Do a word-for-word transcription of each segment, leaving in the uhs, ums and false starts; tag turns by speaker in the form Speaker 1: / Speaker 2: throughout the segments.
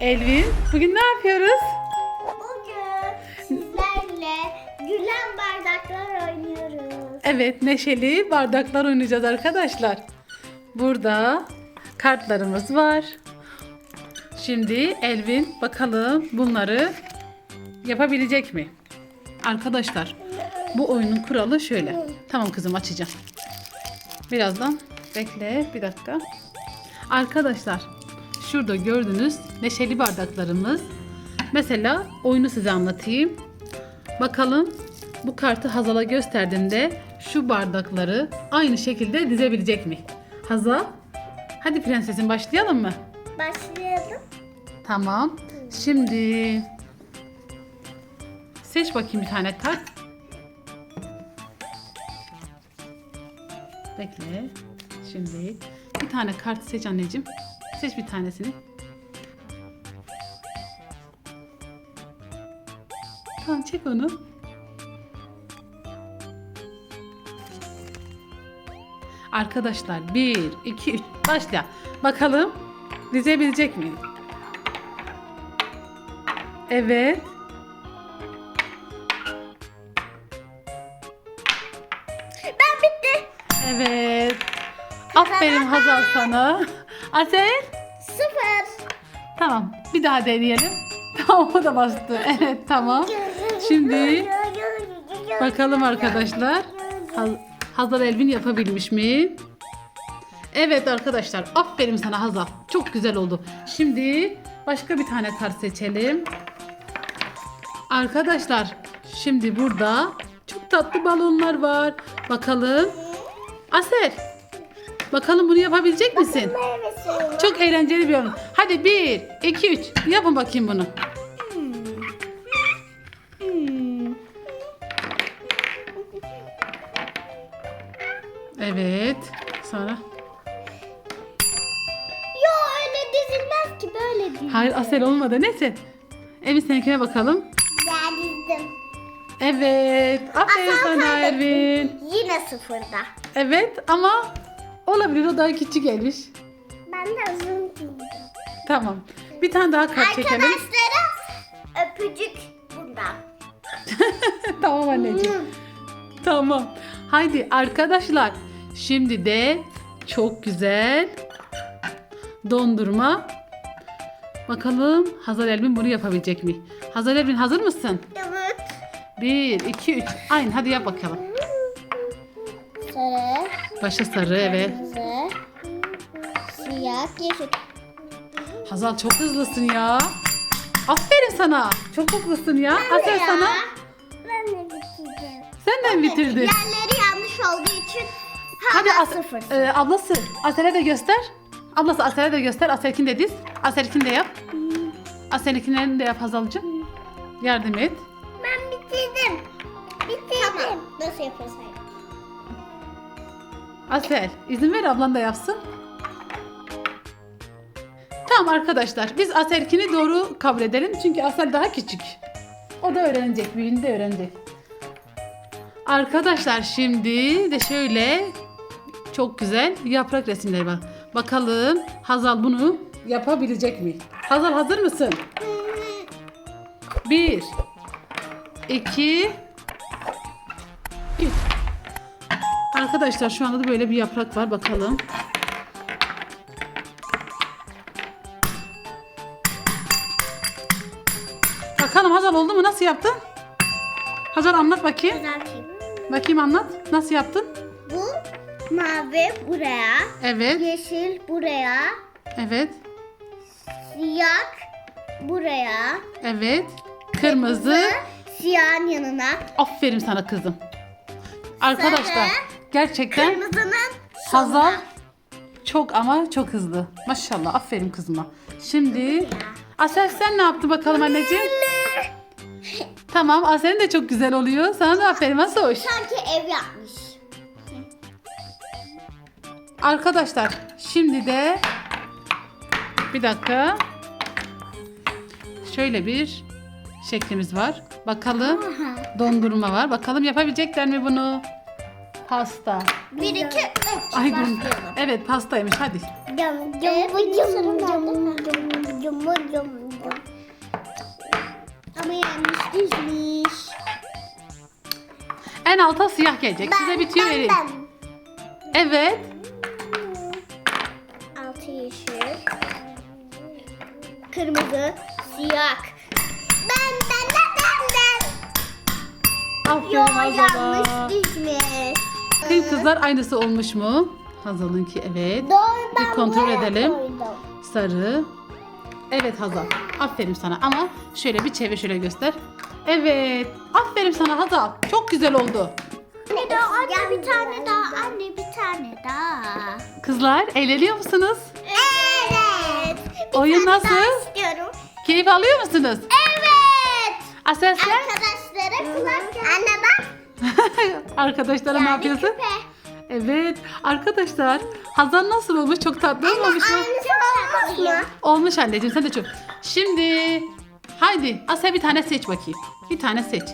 Speaker 1: Elvin, bugün ne yapıyoruz?
Speaker 2: Bugün sizlerle gülen bardaklar oynuyoruz.
Speaker 1: Evet, neşeli bardaklar oynayacağız arkadaşlar. Burada kartlarımız var. Şimdi Elvin bakalım bunları yapabilecek mi? Arkadaşlar, bu oyunun kuralı şöyle. Tamam kızım, açacağım. Birazdan bekle bir dakika. Arkadaşlar, şurada gördüğünüz neşeli bardaklarımız. Mesela oyunu size anlatayım. Bakalım bu kartı Hazal'a gösterdiğimde şu bardakları aynı şekilde dizebilecek mi? Hazal, hadi prensesim başlayalım mı?
Speaker 2: Başlayalım.
Speaker 1: Tamam. Şimdi seç bakayım bir tane kart. Bekle. Şimdi bir tane kart seç anneciğim. Seç bir tanesini. Tamam, çek onu. Arkadaşlar bir, iki, üç başla. Bakalım dizebilecek mi? Evet.
Speaker 2: Ben bitti.
Speaker 1: Evet. Aferin Hazal sana. Asel.
Speaker 2: Sıfır.
Speaker 1: Tamam. Bir daha deneyelim. Tamam, o da bastı. Evet, tamam. Şimdi bakalım arkadaşlar. Haz- Hazal Elvin yapabilmiş mi? Evet arkadaşlar. Aferin sana Hazal. Çok güzel oldu. Şimdi başka bir tane kart seçelim. Arkadaşlar, şimdi burada çok tatlı balonlar var. Bakalım. Asel. Bakalım bunu yapabilecek misin?
Speaker 2: Meyvesi.
Speaker 1: Çok eğlenceli bir oyun. Hadi bir, iki, üç. Yapın bakayım bunu. Evet. Sonra.
Speaker 2: Yo, öyle dizilmez ki, böyle dizilir.
Speaker 1: Hayır, Asel olmadı. Neyse. Evin seninkine bakalım.
Speaker 2: Ben dizdim.
Speaker 1: Evet. Aferin
Speaker 2: Asel
Speaker 1: sana
Speaker 2: kaybetti.
Speaker 1: Elvin.
Speaker 2: Yine sıfırda.
Speaker 1: Evet ama olabilir, o daha küçük gelmiş.
Speaker 2: Ben de uzun dizdim.
Speaker 1: Tamam. Bir tane daha kart çekelim.
Speaker 2: Arkadaşlara öpücük bundan.
Speaker 1: Tamam anneciğim. Tamam. Haydi arkadaşlar. Şimdi de çok güzel dondurma. Bakalım Hazal Elvin bunu yapabilecek mi? Hazal Elvin, hazır mısın?
Speaker 2: Evet.
Speaker 1: Bir, iki, üç. Aynen, hadi yap bakalım.
Speaker 2: Sarı,
Speaker 1: Başa sarı, evet.
Speaker 2: kırmızı, siyah, yeşil.
Speaker 1: Hazal çok hızlısın ya. Aferin sana. Çok hızlısın ya. Aferin
Speaker 2: Ya,
Speaker 1: sana.
Speaker 2: Ben de bitirdim.
Speaker 1: Sen de mi bitirdin?
Speaker 2: Yerleri yanlış olduğu için
Speaker 1: Hadi
Speaker 2: hala
Speaker 1: As
Speaker 2: sıfır.
Speaker 1: e, ablası Asel'e de göster. Ablası Asel'e de göster. Asel'kini de diz. Asel'kini de yap. Asel'kini de yap Hazal'cığım. Yardım et.
Speaker 2: Ben bitirdim. Bitirdim. Tamam. Nasıl yaparız?
Speaker 1: Asel, izin ver ablan da yapsın. Tamam arkadaşlar, biz Asel'kini doğru kabul edelim. Çünkü Asel daha küçük. O da öğrenecek, büyüğünde öğrenecek. Arkadaşlar, şimdi de şöyle çok güzel yaprak resimleri var. Bakalım Hazal bunu yapabilecek mi? Hazal, hazır mısın? Bir, iki, üç. Arkadaşlar, şu anda da böyle bir yaprak var. Bakalım. Bakalım Hazal oldu mu? Nasıl yaptın? Hazal, anlat bakayım.
Speaker 2: Düzelteyim.
Speaker 1: Bakayım, anlat. Nasıl yaptın?
Speaker 2: Bu mavi buraya,
Speaker 1: Evet.
Speaker 2: yeşil buraya,
Speaker 1: Evet.
Speaker 2: siyah buraya,
Speaker 1: Evet. Kırmızı.
Speaker 2: siyahın yanına,
Speaker 1: Aferin sana kızım. Arkadaşlar,
Speaker 2: Sarı.
Speaker 1: gerçekten
Speaker 2: kırmızının
Speaker 1: Hazal
Speaker 2: sonuna.
Speaker 1: çok ama çok hızlı. Maşallah, aferin kızıma. Şimdi Asel, sen ne yaptın bakalım anneciğim? Tamam, Asel'in de çok güzel oluyor. Sana da aferin, nasıl hoş.
Speaker 2: Sanki ev yapmış.
Speaker 1: Arkadaşlar, şimdi de bir dakika. Şöyle bir şeklimiz var. Bakalım, dondurma var. Bakalım yapabilecekler mi bunu? Pasta.
Speaker 2: Bir, iki, üç.
Speaker 1: Ay,
Speaker 2: Başlayalım.
Speaker 1: evet, pastaymış. Hadi.
Speaker 2: Yum, yum, yum, yum, yum, yum, yum, yum, yum. Oyunumu yanlış dizmiş.
Speaker 1: En alta siyah gelecek. Size bir tüyo vereyim. Evet.
Speaker 2: Altı yeşil. Kırmızı. Siyah. Ben ben ben ben ben.
Speaker 1: Aferin
Speaker 2: Yo
Speaker 1: Hazal'a.
Speaker 2: yanlış dizmiş.
Speaker 1: Bakayım kızlar aynısı olmuş mu? Hazal'ınki evet.
Speaker 2: Doğru,
Speaker 1: Bir
Speaker 2: ben
Speaker 1: kontrol
Speaker 2: buraya
Speaker 1: edelim.
Speaker 2: koydum.
Speaker 1: Sarı. Evet Hazal. Aferin sana ama şöyle bir çevir, şöyle göster. Evet. Aferin sana Hazal. Çok güzel oldu.
Speaker 2: Anne daha anne bir tane daha anne bir tane daha.
Speaker 1: Kızlar eğleniyor musunuz?
Speaker 2: Evet. Bir
Speaker 1: Oyun
Speaker 2: tane
Speaker 1: nasıl?
Speaker 2: daha istiyorum.
Speaker 1: Keyif alıyor musunuz?
Speaker 2: Evet.
Speaker 1: Asel sen?
Speaker 2: Arkadaşlara kulak. Anne bak.
Speaker 1: Arkadaşlara ne yapıyorsun?
Speaker 2: küpe.
Speaker 1: Evet. Arkadaşlar Hazal nasıl olmuş? Çok tatlı olmamış mı?
Speaker 2: Aynısı olmuş mu?
Speaker 1: Olmuş anneciğim, sen de çok. Şimdi haydi Asel bir tane seç bakayım. Bir tane seç.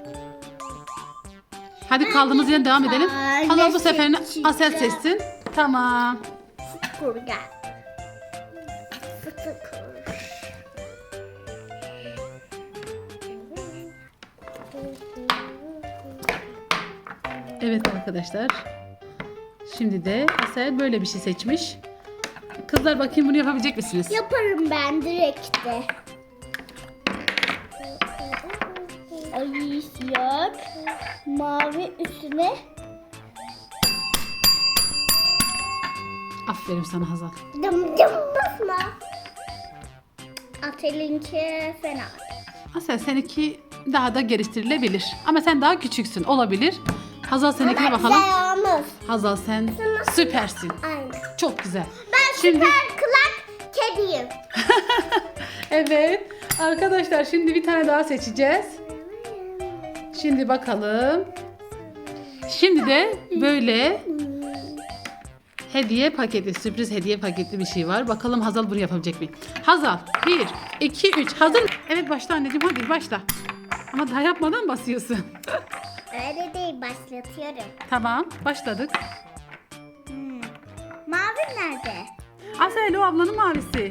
Speaker 1: Hadi kaldığımız yerden devam edelim.
Speaker 2: tane
Speaker 1: Hazal bu seferini
Speaker 2: seçeceğim.
Speaker 1: Asel seçsin. Tamam.
Speaker 2: Kurgan. Fıtık.
Speaker 1: Evet arkadaşlar. Şimdi de Asel böyle bir şey seçmiş. Kızlar bakayım bunu yapabilecek misiniz?
Speaker 2: Yaparım ben direkt de. Ay siyah. Mavi üstüne.
Speaker 1: Aferin sana Hazal.
Speaker 2: Dım dım basma. Atelinki fena.
Speaker 1: Asel seninki daha da geliştirilebilir. Ama sen daha küçüksün, olabilir. Hazal seninkine bakalım.
Speaker 2: Güzel olmuş.
Speaker 1: Hazal sen süpersin.
Speaker 2: Aynen.
Speaker 1: Çok güzel.
Speaker 2: Ben
Speaker 1: Şimdi
Speaker 2: süper kulak kediyim.
Speaker 1: evet arkadaşlar şimdi bir tane daha seçeceğiz. Şimdi bakalım. Şimdi de böyle hediye paketi, sürpriz hediye paketli bir şey var. Bakalım Hazal bunu yapabilecek mi? Hazal bir, iki, üç. Hazır. Evet başla anneciğim, hadi başla. Ama daha yapmadan basıyorsun.
Speaker 2: Öyle değil, başlatıyorum.
Speaker 1: Tamam başladık.
Speaker 2: Hmm. Mavi nerede?
Speaker 1: Asel o ablanın mavisi.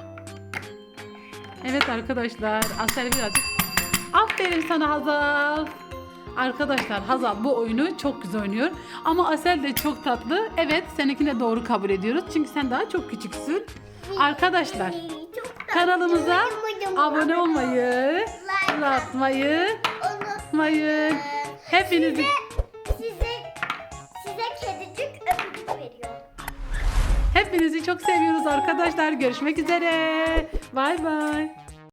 Speaker 1: Evet arkadaşlar Asel birazcık. Aferin sana Hazal. Arkadaşlar Hazal bu oyunu çok güzel oynuyor. Ama Asel de çok tatlı. Evet seninkini de doğru kabul ediyoruz. Çünkü sen daha çok küçüksün. Arkadaşlar
Speaker 2: Çok
Speaker 1: kanalımıza
Speaker 2: tatlı.
Speaker 1: abone olmayı, like atmayı unutmayın. Hepinizi
Speaker 2: Size size kedicik öpücük veriyorum.
Speaker 1: hepinizi çok seviyoruz arkadaşlar. Görüşmek üzere. Bay bay.